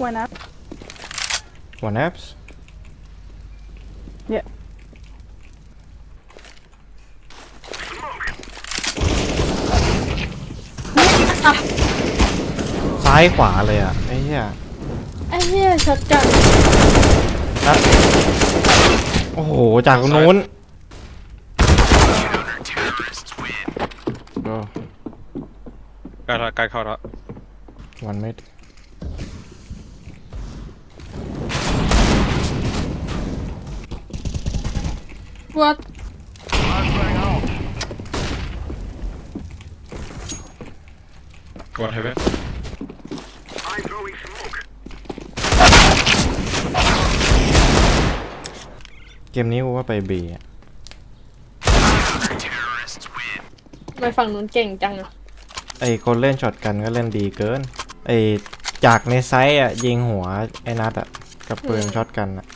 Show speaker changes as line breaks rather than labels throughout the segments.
One up.
One apps.
Yeah.
ซ้ายขวาเลยอ่ะไอ้เหี้ย
ไอ้เหี้ยช็อตกัน
นัดโอ้โหจากตรงนู้นก็
ใกล้เข้าแล้ว
วันเม็ด
วัด
วันเฮเว่น
เกมนี้กูว่าไปบีอ่ะ
ทำไมฝั่งนู้นเก่งจังอะ
ไอ้คนเล่นช็อตกันก็เล่นดีเกินไอ้จากในไซส์อ่ะยิงหัวไอ้นัดอ่ะกับปืนช็อตกันอ่ะ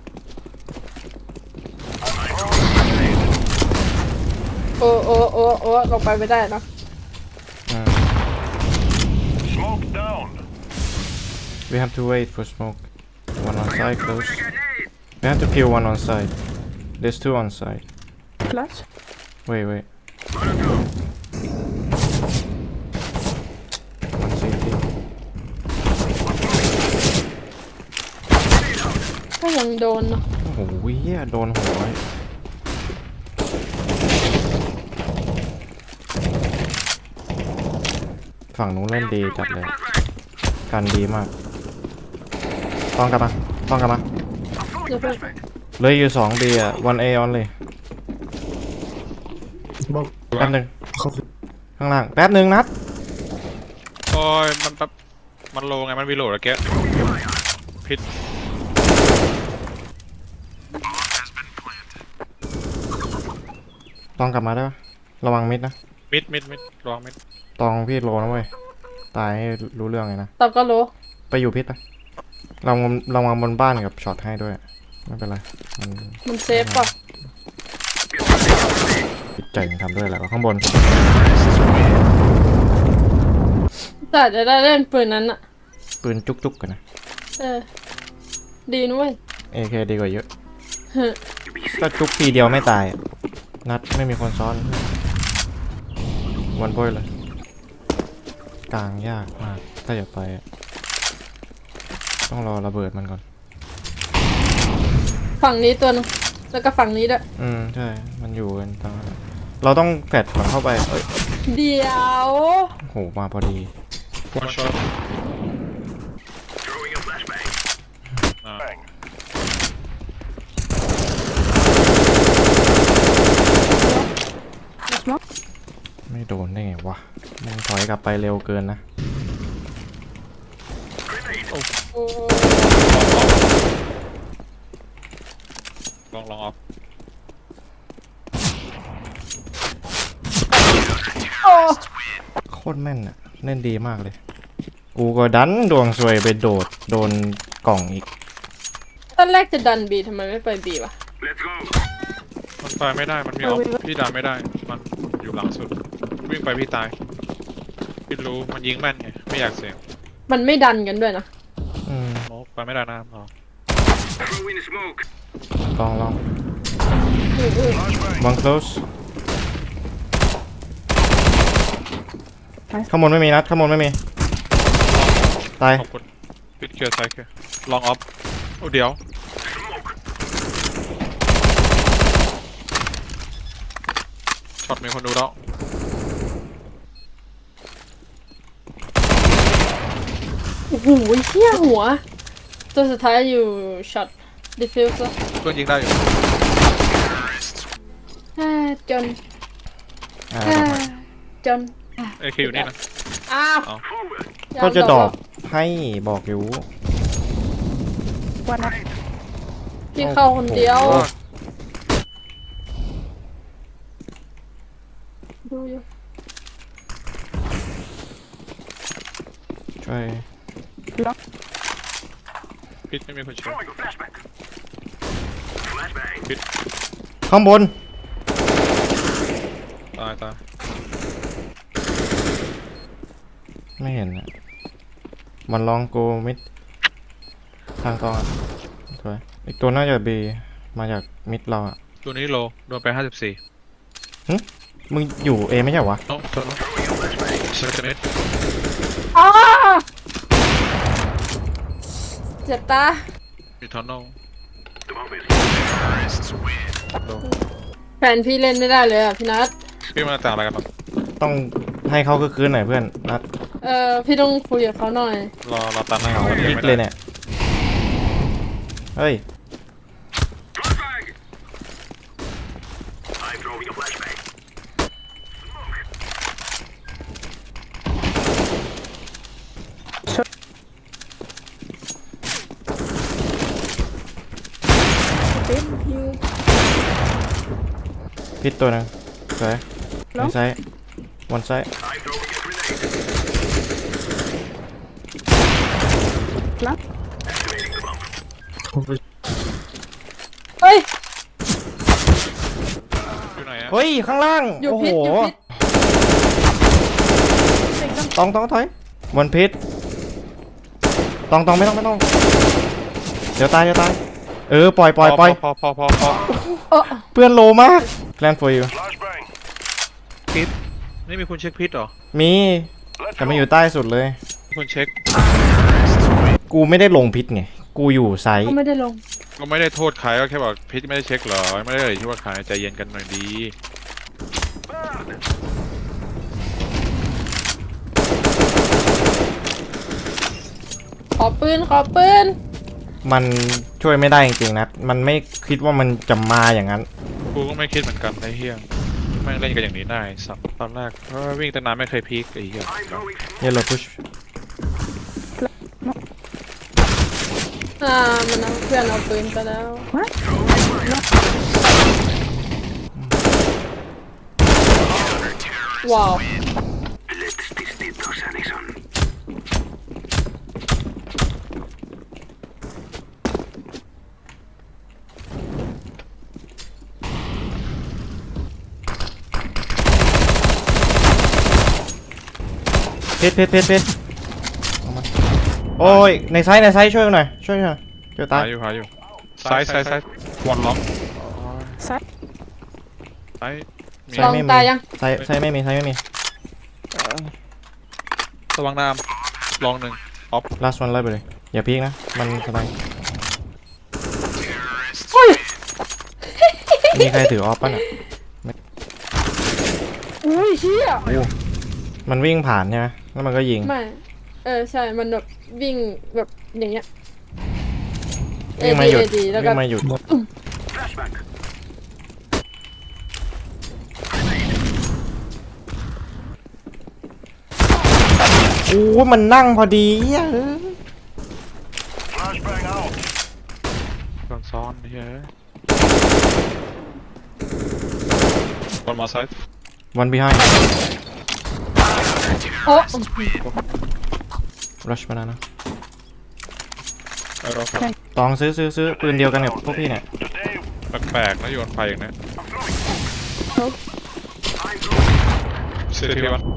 โอ้ลงไปไม่ได้เนอะ
Smoke down.
We have to wait for smoke. One on side close. We have to kill one on side. There's two on side.
Flash.
Wait. One CT.
ก็ยังโดนเนาะ
โอ้โหเหี้ยโดนหัวฝั่งนู้นเล่นดีจัดเลยกันดีมากต้องกลับมา
เดี๋ยวเพิ่ง
เลยอยู่2 B อ่ะ 1A on เลยแป๊บหนึ่งข้างล่างแป๊บหนึ่งนัด
โอ้ยมันแป๊บมันโลไงมันวีโหลดแล้วแกพิษ
ต้องกลับมาได้ปะระวังมิดนะ
มิดระวังมิด
ตองพี่โลนะเว้ยตายให้รู้เรื่องเลยนะ
ตอบก็รู้
ไปอยู่พิษไปเราวางบนบ้านกับช็อตให้ด้วยไม่เป็นไรมัน
มันเซฟป่ะ
จิตใจมันทำด้วยแหละข้างบน
แต่จะได้เล่นปืนนั้นอะ
ปืนจุกๆกันนะ
ดีนุ้ย
AK ดีกว่าเยอะ
เฮ้ย
ก็จุกทีเดียวไม่ตายอะนัดไม่มีคนซ้อนวันโพยเลยกลางยากมากถ้าอยากไปอะต้องรอระเบิดมันก่อน
ฝั่งนี้ตัวนึงแล้วก็ฝั่งนี้ด้วย
ใช่มันอยู่กันตรงนั้นเราต้องแฟดมันเข้าไปเอ้ย
เดี๋ยว
โหมาพอดี
วันช็อต
Throwing a flashbang. Bang.
ไม่โดนได้ไงวะมึงถอยกลับไปเร็วเกินนะ
โอ้
ลองออฟ
โอ้
โคตรแม่นอะเล่นดีมากเลย กูก็ดันดวงซวยไปโดดโดนกล่องอีก
ตอนแรกจะดันบีทำไมไม่ไปบีวะ
Let's go.
มันไปไม่ได้มันมีออฟพี่ดันไม่ได้มันอยู่หลังสุดวิ่งไปพี่ตายพี่รู้มันยิงแม่นไงไม่อยากเสี่ยง
มันไม่ดันกันด้วยนะ
โมกไปไม่ได้นะเรา
Throw in smoke.
ลอง
Flashbang.
one close ข้างบนไม่มีนัดข้างบนไม่มีตาย
ขอบคุณปิดเคลียร์ไซค์เคลียร์ลองออฟโอ้เดี๋ยวช็อตมีคนดูแล้ว
โอ้โหเหี้ยหัว ตัวสุดท้ายอยู่ช็อตดิฟิวส์
เพื่อนยิงได้อยู่
จน
อ่า
จน
เอคอยู่นี่นะ
อ้าว
เอา
ก็จะดอกให้บอกอยู่
One up.
พี่เข้าคนเดียว
โอ้โห
ดูอยู่
ช่วย
Lock.
พิษไม่มีคนช่วย
Throwing a flashbang. Flashbang.
พิษ
ข้างบน
ตาย
ไม่เห็นอะมันลองโกมิดทางตรงอ่ะสวยอีกตัวน่าจะบีมาจากมิดเราอ่ะ
ตัวนี้โลโดนไป54
มึงอยู่เอไม่ใช่เหรอวะ
โน้ตตัวโน้ตเซอร์เมตร
อ้าเจ็บตา
มีทอนโน
The bomb is
แฟนพี่เล่นไม่ได้เลยอ่ะพี่นัท
พี่มาต่างอะไรกันหรอ
ต้องให้เขาคืนหน่อยเพื่อนนัด
พี่ต้องคุยกับเขาหน่อย
รอตามให้เขา
พลิกเลยเนี่ยเฮ้ย
flashbang. I'm throwing a flashbang.
You
พิษตัวหนึงสวยในไซส์วันไซส์
I'm throwing a grenade.
plant.
Activating the bomb.
เฮ้ย
อยู่ไหนอะ
เฮ้ยข้างล่าง
อยู่
โอ้โห
พิษอยู่พิษ
ต้องถอยวันพิษต้องไม่ต้องเดี๋ยวตายปล่อย
พอ
เพื่อนโลมากแกลน for you
Flashbang.
พิษนี่มีคนเช็คพิษเหรอ
มี
Let's
แต่
go.
มันอยู่ใต้สุดเลย
มีคนเช็ค
กูไม่ได้ลงพิษไงกูอยู่ไซส์
เขาไม่ได้ลง
ก็ไม่ได้โทษใครก็แค่บอกพิษไม่ได้เช็คเหรอไม่ได้เลยที่ว่าใครใจเย็นกันหน่อยดี
ขอปืน
มันช่วยไม่ได้จริงๆนะมันไม่คิดว่ามันจะมาอย่างนั้น
กูก็ไม่คิดเหมือนกันไอ้เหี้ยแม่งเล่นกันอย่างนี้ได้สับตอนแรกเพราะว่าวิ่งตั้งนานไม่เคยพีคไอ้เหี้ย
I'm throwing smoke.
เยลโล่พุช
มันเอาเพื่อนเอาปืนไปแล้ว ว้าว
Let's distintos, Addison.
พิษเอามาโอ้ยในไซส์ช่วยหน่อยช่วยตา
หาย อยู่ซ้ายวันล็อก
Side.
ซ้ายมี
ลองตายยัง
ไซส์ไม่มี
ระวังน้ำลองหนึ่ง
last one ไล่ไปเลยอย่าพีกนะมันสบายมีใครถือออฟป่ะน่ะ
อุ้ยเชี่ย
มันวิ่งผ่านใช่ไหมแล้วมันก็ยิง
ไม่ ใช่ มันแบบวิ่งแบบอย่างเงี้ย
วิ่งมาหยุด
AD แล้วก็
วิ่งมาหยุด
Flashbang.
โอ้มันนั่งพอดีอ่ะ
Flashbang out.
โดนซ้อนเฮ้ยคนมาซ้าย
one behind
โอ้
rush มาแล้วนะ
เรา
ตองซื้อปืนเดียวกันกับพวกพี่เนี่ย
Today,
แปลกๆนะโยนไฟอย่างนี้
Nope.
เซทีวัน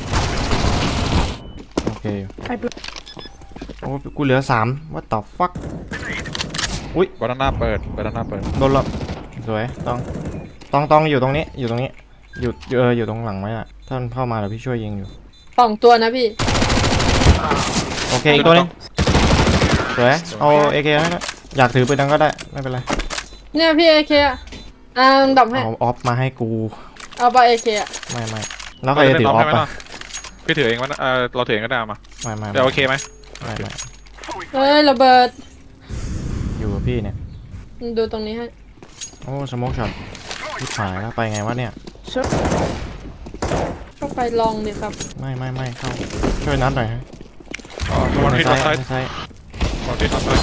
โอเคอยู่
I block.
โอ้กูเหลือ3 what the fuck
บานาน่าเปิด
โดนละสวยต้องอยู่ตรงนี้อยู่ตรงหลังไว้อะถ้ามันเข้ามาเดี๋ยวพี่ช่วยยิงอยู่
2 ตัวนะพี่
โอเคอีกตัวนึงสวยเอา AK ให้นะอยากถือปืนนั้นก็ได้ไม่เป็นไร
เนี่ยพี่ AK อ่ะดับให้
เอาออฟมาให้กู
เอาไป AK อ่ะ
ไม่แล้วใครจะถือออฟ
ไหม
อ่ะ
พี่ถือเองวะเราถือเองก็ได้มา
ไม่
เดี๋ยวโอเคไหม
เฮ้ยระเบิด
อยู่กับพี่เนี่ย
ดูตรงนี้ให้
โอ้สโมกช็อตที่หายแล้วไปไงวะเนี่ย
Sure.
ก็ไปลองดิครับ
ไม่เข้าช่วยนัดหน่อยฮะ
วัน
ใน
ที่
ไซ
ทำซ้าย
ส์
วันที่ทำซ้าย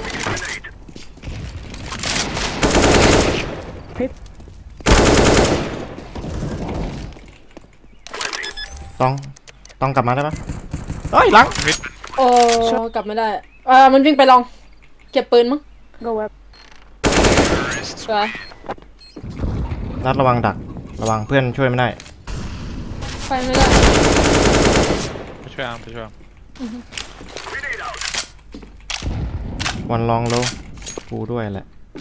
ต้องกลับมาได้ปะเอ้ยหลัง
โอ้กลับไม่ได้มันวิ่งไปลอง เก็บปืนมั้ง
Go up.
สวย
นัดระวังดักระวังเพื่อนช่วยไม่ได้
ไปไม่ได้
ไปช่วยอาร์ม
grenade out.
วันลองโลกูด้วยแหละ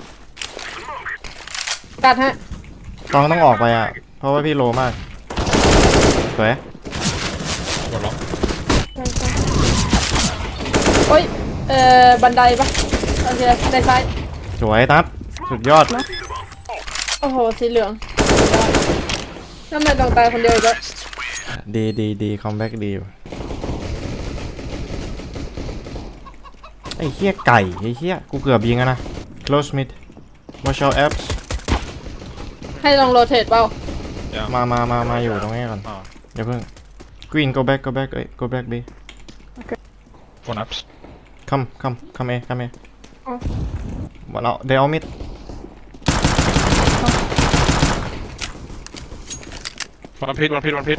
กัดฮะ
ตองต้องออกไปอ่ะ เพราะว่าพี่โลมากสวย
กดล็อก
โอ้ยบันไดปะโอเคบันไดซ้าย
สวยนัดสุดยอด
โอ้โหสีเหลืองทำไมต้องตายคนเดียวอีกแล้ว
ดีคอมแบ็กดีว่ะไอ้เหี้ยไก่ไอ้เหี้ยกูเกือบยิงอะนะ close mid watch out apps
ให้ลองโรเทตเปล่า
ยัง
มาอยู่ตรงนี้ก่อน
อ่า
อย่าเพิ่ง green go backเอ้ย go back B
คนอัพ
come Aหมดแล้วเดี๋ยวเอามิด
วันพิษ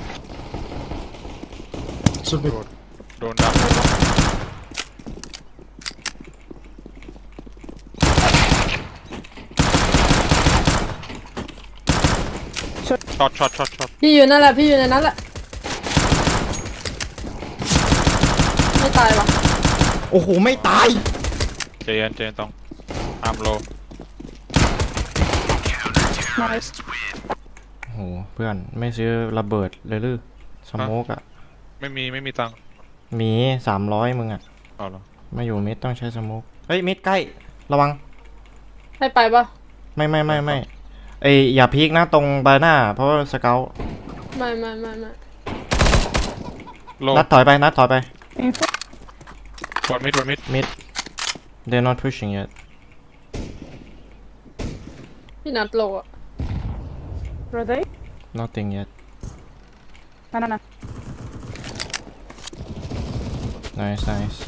โดนดับช็อต
พี่อยู่นั่นแหละพี่อยู่ในนั้นแหละไม่ตายวะ
โอ้โหไม่ตาย
เจนต้องอาร์มโล
nice
โอ้โหเพื่อนไม่ซื้อระเบิดเลยหรือสโมกอะ
ไม่มีตังค์
มี300มึงอะ
เอาเหรอ
มาอยู่มิดต้องใช้สโมกเฮ้ยมิดใกล้ระวัง
ให้ไปปะ
ไม่ไอยอย่าพีกนะตรงบาหน้าเพราะว่าสเกล
ไม่
โล
นัดถอยไป
info
กดมิด
mid they're not pushing yet
พี่นัดโลอะ
were they
nothing yet
no
nice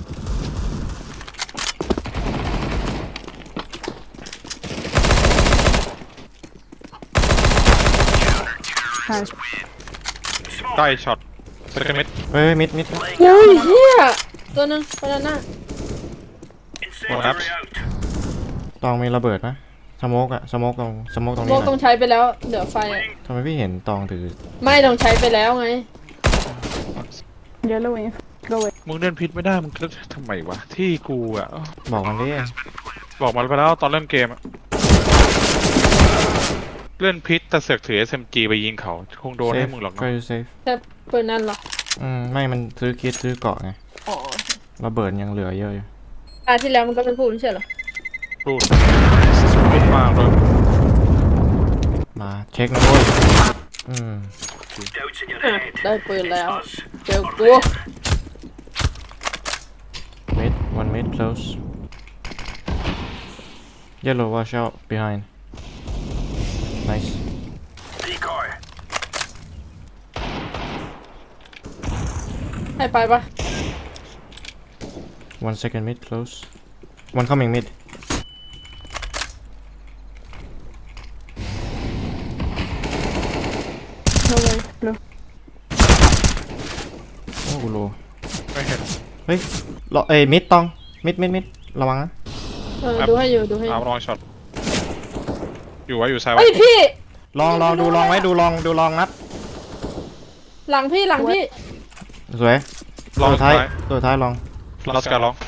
nice
ใกล้ช็อตเซคันมิด
เฮ้ยมิด
โอ้ยเฮียตัวหนึงบานาน่า
Incendiary out.
ตองมีระเบิดนะสโมกสโมกตรง
โม
นี้
กต้อง
นะ
ใช้ไปแล้วเดี๋ยวไฟอะ
ทำไมพี่เห็นตองถือ
ไม่ต้องใช้ไปแล้วไง
yellow info go away
มึงเล่นพิษไม่ได้มึงทำไมวะที่กูอ่ะ
บอกมันดิ
บอกมาไปแล้วตอนเริ่มเกมอะเล่นพิษแต่เสือกถือ SMG ไปยิงเขาคงโดนให้มึงหรอก
ก็
เนาะ
safe
แค่ปืนนั่นเหรอ
ไม่มันซื้อคิดซื้อเกาะไง
อ๋อ
ระเบิดยังเหลือเยอะอยู่
ตาที่แล้วมันก็ไม่พูดไม่ใช่เหรอ
พูดมากเลย
มาเช็คนะเว้ย
Doubts in your
อ่ะ
head.
ได้ปืนแล้ว
Us.
เจอกู
mid one mid close yellow watch out behind nice
Decoy.
ให้ไปปะ
1 second mid close one coming mid
no way blue
โอ้กูโล
ไม่เห็น
เฮ้ยรอมิดตองมิดระวังนะ
ดูให้อยู่
อาร์มลองช็อตอยู่ซ้าย
เฮ้ยพี่
ลองดูลองไว้ดูลองนัด
หลังพี่
สวย
ลอง
ตัว
ท้า
ท้ายลอง
ลอสการลอง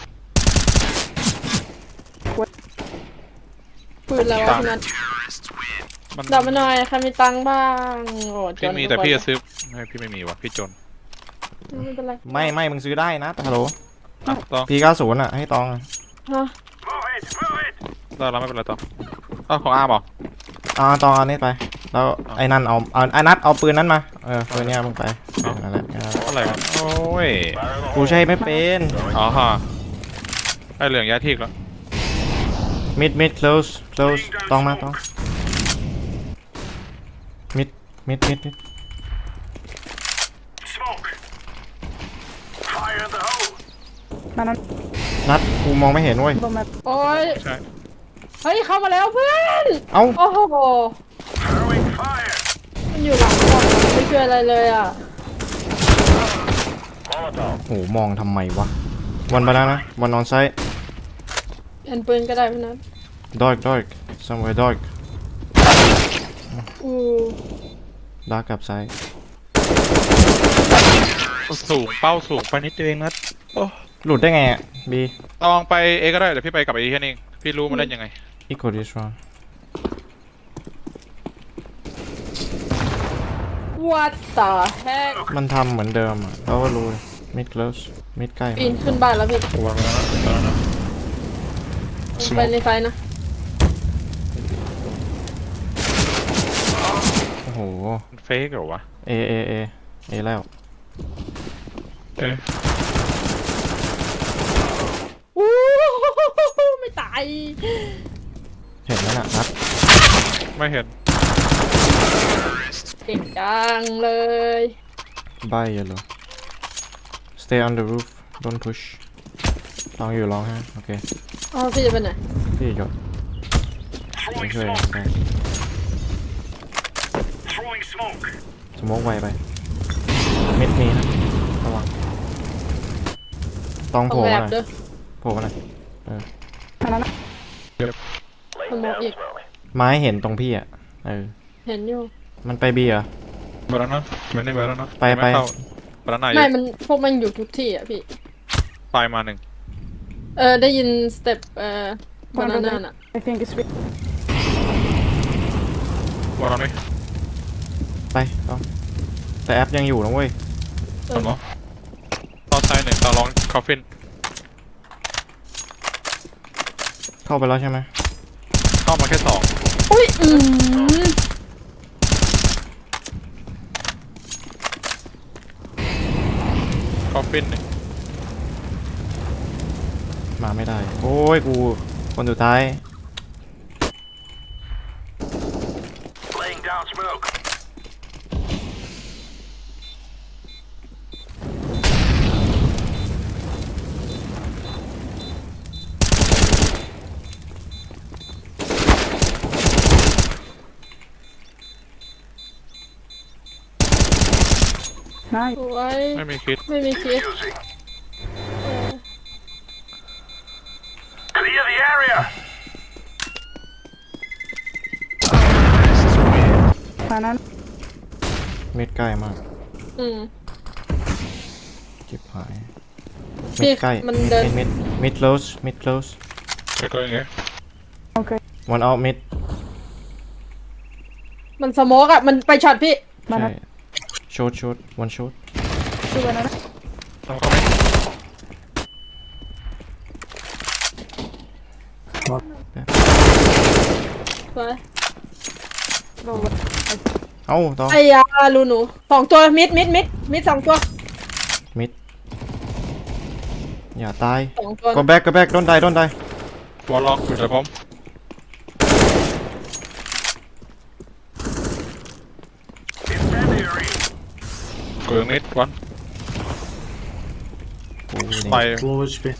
ปืนแล้วอะพี่นัท
มัน
ดับมาหน่อยใครมีตังค์บ้างโอ้จ
พี่
น
มี
ทุก
แต่
คน
พี่จะซื้อไม่พี่ไม่มีว่ะพี่จน
ไม่เป็นไร
ไม่มึงซื้อได้นะฮัลโหล
อ่ะต้อง
P90อ่ะให้ตอง
ฮะ
Move it.
ได้แล้วไม่เป็นไรต้องของอาร์มเหรอ
ตองเอานี้ไปแล้วไอ้นั่นเอาไอ้นัดเอาปืนนั้นมาปืนเนี้ยมึงไปนั่นแหละ
อะไรวะโอ้ย
กูใช้ไม่เป็น
อ๋อฮะได้เหลืองย้ายที่แล้ว
mid close ตองมาตอง mid
Smoke. Fire in the hole.
no
นัดกูมองไม่เห็นเว้ย
bomb map
โอ้ย
ใช่
เฮ้ยเข้ามาแล้วเพื่อน
เอ้า
โอ้โห
Throwing fire.
มันอยู่หลังกล่องมันไม่ช่วยอะไรเลยอ่ะ
Molotov.
โหมองทำไมวะวันไปแล้วนะวันออนไซต์
เอ็นปืนก็ได้พี่นัท
dark somewhere dark
อู้
dark กับไซต์
สูงเป้าสูงไปนิดเดียวเองนะโอ้
หลุดได้ไงอ่ะ B
ลองไปเอก็ได้เดี๋ยวพี่ไปกับไอ้แค่นี้เองพี่รู้มันเล่นยังไง
equal this round
What the heck
มันทำเหมือนเดิมอ่ะเราก็รู้ mid close mid ใกล้
ปีนขึ้นบ้านแล้วพี่
วางแล้วนะตอนนั้นนะ
ไปในไฟนะ
โอ้โห
เฟกเหรอวะ
Aแล้ว
เอ๊ะ
อู้ไม่ตาย
เห็นไหมน่ะนัด
ไม่เห็น
เก่งจังเลย
ใบอย่าเลย stay on the roof don't push ลองอยู่ลองฮะโอเค
อ๋อพี่จะไปไหน
พี่หยดไม่
Throwing
ช่วย
smoke.
ได้
Throwing smoke.
สโมกไวไปมิดมีนะระวังต้อง
ต้
โผ
อง
ล่
แอ
มา
บ
หน่
เด้
อย
อ
โผล่มาหน่อย
อันนั้นนะ
สมองอีก
ไม้เห็นตรงพี่อ่ะ
เห็นอยู่
มันไปบีเหรอ
บารานะไม่ได้บารานะ
ไป
ม่เข้าบารานะอ
ไม่
ยู่
มันพวกมันอยู่ทุกที่อ่ะพี่
ตายมาหนึ่ง
ได้ยินสเต็ปบานาน่าน่ะ
I think it's big.
บารานะ
ไปต้องแต่แอปยังอยู่นะเว้ย
ทำเหรอตอนซ้ายหนึ่งตอนลองคอฟฟิน
เข้าไปแล้วใช่ไหม
เข้ามาแค่สอง
อุ้ย
คอฟฟินหนึ่ง
มาไม่ได้โอ้ยกูคนสุดท้าย
Laying down smoke.
นาย
สวย
ไม่มีคิด
ไม่มีคิด
Using. Clear the area.
อันนั้น
มิดใกล้มาก
อืม
จิบหาย
พี่
มิดใกล้
มันเดิน
mid close mid close
จะก็ยังไง
โอเค
one out mid
มันสโมกอ่ะ มันไปช็อตพี่
มา
ใช่
นะ
short one short
ดูอันนั้นนะ
ต้องเข้าไม่
สวย
โดน
เอ้าต่อ
ไอ้ยาลูหนูสองตัวมิดสองตัว
mid อย่าตาย
สองตัว
go back don't die
บอลล็อกอยู่แต่ผม
Incendiary.
เกลืองนิดวัน
กู
ไป
นี่
Low HP.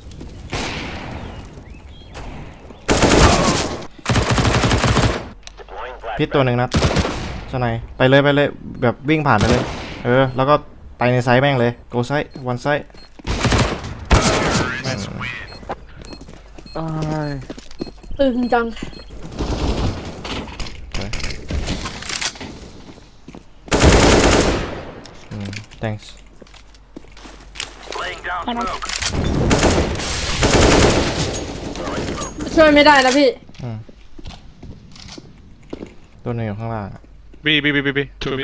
พิษตัวหนึ่งนัดสไนไปเลยแบบวิ่งผ่านไปเลยแล้วก็ไปในไซส์แม่งเลย go side one side
ตึงจัง
thanks
Laying down smoke.
ช่วยไม่ได้นะพี่
ตัวหนึงอยู่ข้างล่างอะ
บีทูบี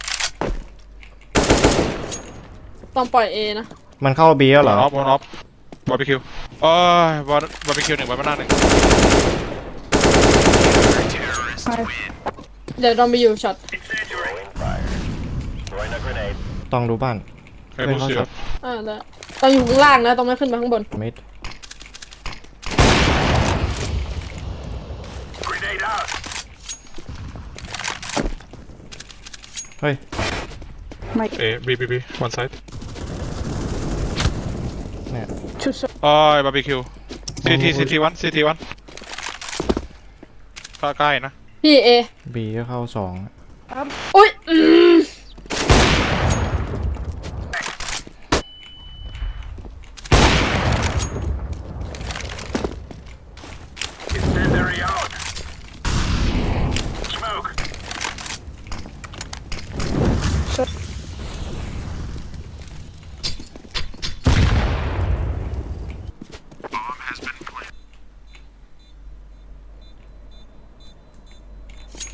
ต้องปล่อยเอนะ
มันเข้าบีแล้วเหรอ
ออฟบาร์บีคิวเอ้ยบาร์บีคิวหนึ่งบาร์บีคิวหนึ่ง
เดี๋ยวลองไปอยู่ช็อต
Incendiary. Throwing a grenade.
ต้องดูบ้าน
ไอ้ผู้เสีย
ได้ต้องอยู่ข้างล่างนะต้องไม่ขึ้นไปข้างบน
มิด
Grenade out.
เฮ้ย
ไม่
เอบีวันไซด์
เนี่ย
ชุด
เอ้ยบาร์บีคิวซีทีวันใกล้ๆนะ
พี่เอ
บีก็เข้าสอง
อุ้ย
Incendiary out. Smoke.
ชุด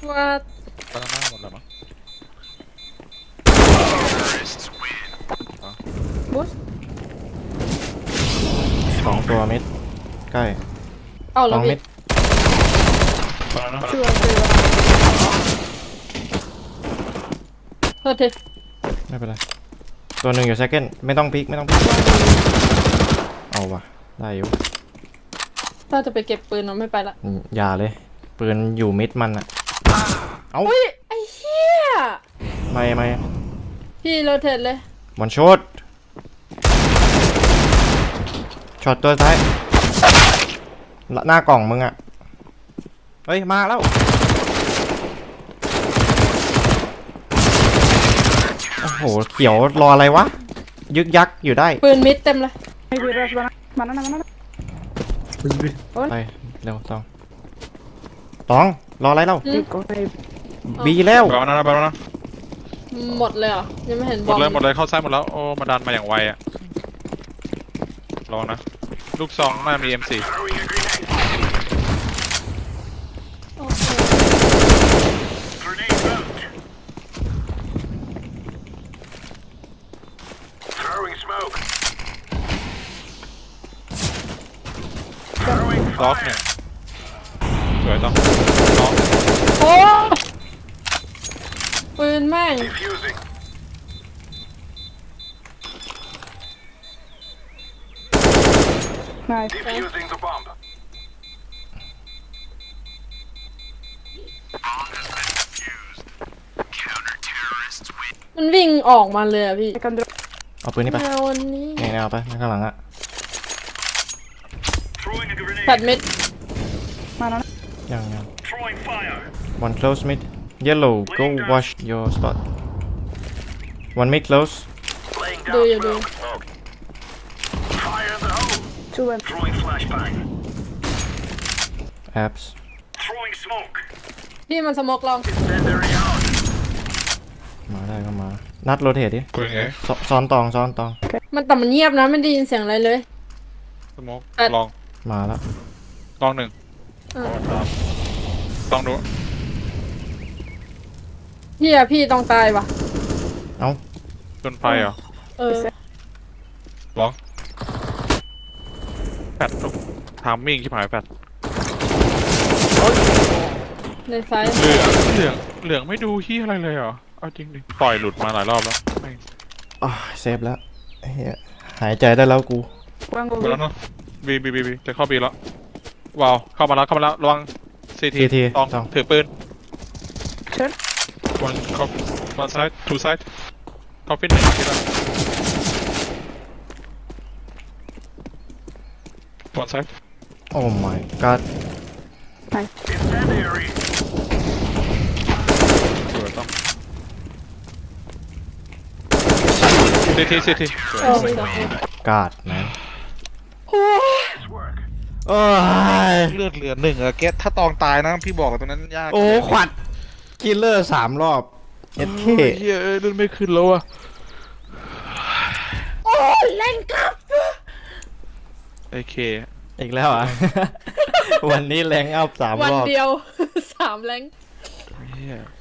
ว่า
บานาน่าหมดแล้วมั้ง
บูส
2 ตัวมิดใกล้
เอาแล้ว
2 มิ
พี่
ด
บานาน่า
ช่วยช่วย
โทษที
ไม่เป็นไรตัวหนึ่งอยู่ second ไม่ต้องพลิกไม่ต้องพลิกเอาว่ะได้อยู่
ถ้าจะไปเก็บปืนเราไม่ไปละ
อย่าเลยปืนอยู่มิดมันอะเอ้า
อุ้ยไอ้เหี้ย
ไม่
พี่โรเทตเลย
วันช็อตช็อตตัวท้ายหน้ากล่องมึงอะเฮ้ยมาแล้วโอ้โหเขียวรออะไรวะยึกยักอยู่ได้
ปืนมิดเต็มเลย
ไม่วีรัสบานาบานาบานา
ไปเร็วตองรออะไรเล่า
อืม
ติดก็ไป
บีแล้ว
บานาน่าบานาน่า
หมดเลยเหรอยังไม่เห็น
ห
บ
ม
อ
ด
ม
เลยหมดเลยเข้าซ้ายหมดแล้วโอ้มาดันมาอย่างไวอะลองนะลูกซองน่ามี M4
Throwing a grenade.
โอเค
Grenade out. Throwing smoke. Throwing
ล็อก
fire.
เนี่ยสวยต้องล็อก
โอ้ปืนแม่ง
Defusing.
nice
Defusing the bomb.
มันวิ่งออกมาเลยอะพี่
I can drop
เอาปืนนี่ไป
แนววันนี้
นี่เอาไปข้างหลังอะ
Throwing a
แปด
grenade.
เม็ด
banana
ยัง
Throwing fire.
one close mid yellow go wash your spot one mid close
Laying
Do
down
you do?
smoke. Fire in the hole.
2 and
Throwing flashbang.
apps
Throwing smoke.
พี่มันสโมกลอง
Incendiary out.
มาได้ก็มานัดโรเทตดิ
ปืนไง
ซ้อนตอง
มันแต่มันเงียบนะไม่ได้ยินเสียงอะไรเลย
สโมก
แปด
ลอง
มาแล้ว
ลองหนึ่ง
เออ
ลองดู
พี่ต้องตายว่ะ
เอ้า
จนไฟเหรอ
เออ
ลองแฟดลูกทามมิ่งที่หายแฟด
ในไซส์
เหลืองไม่ดูที่อะไรเลยเหรอเอาจริงดิปล่อยหลุดมาหลายรอบแล้วไม่
อ๋อเซฟแล้วเฮียหายใจได้แล้วกู
one go
หมดแล้วเนาะบีจะเข้าบีแล้วว้าวเข้ามาแล้วระวังซีที
CT
ต้อง
ต้อง
ถือปืน
Sure.
one side two side เข้าฟิตหนึ่งทีละ one side
โอ้ my god
Incendiary.
สวยต้องซีที
โอ้ย
god man
Nice work.
โอ้ย
เลือดเหลือหนึ่งอะเกตถ้าตองตายนะพี่บอกตรงนั้นยาก
โอ้ขวัดคิลเลอร์3 รอบเอสเค
เฮ้ยเลือดไม่ขึ้นแล้วอะ
โอ้ยเล่นกับ
ไอเค
อีกแล้วอ่ะ วันนี้แรงอัพ3
วัน
รอบ
เดียว 3 แรง
เฮีย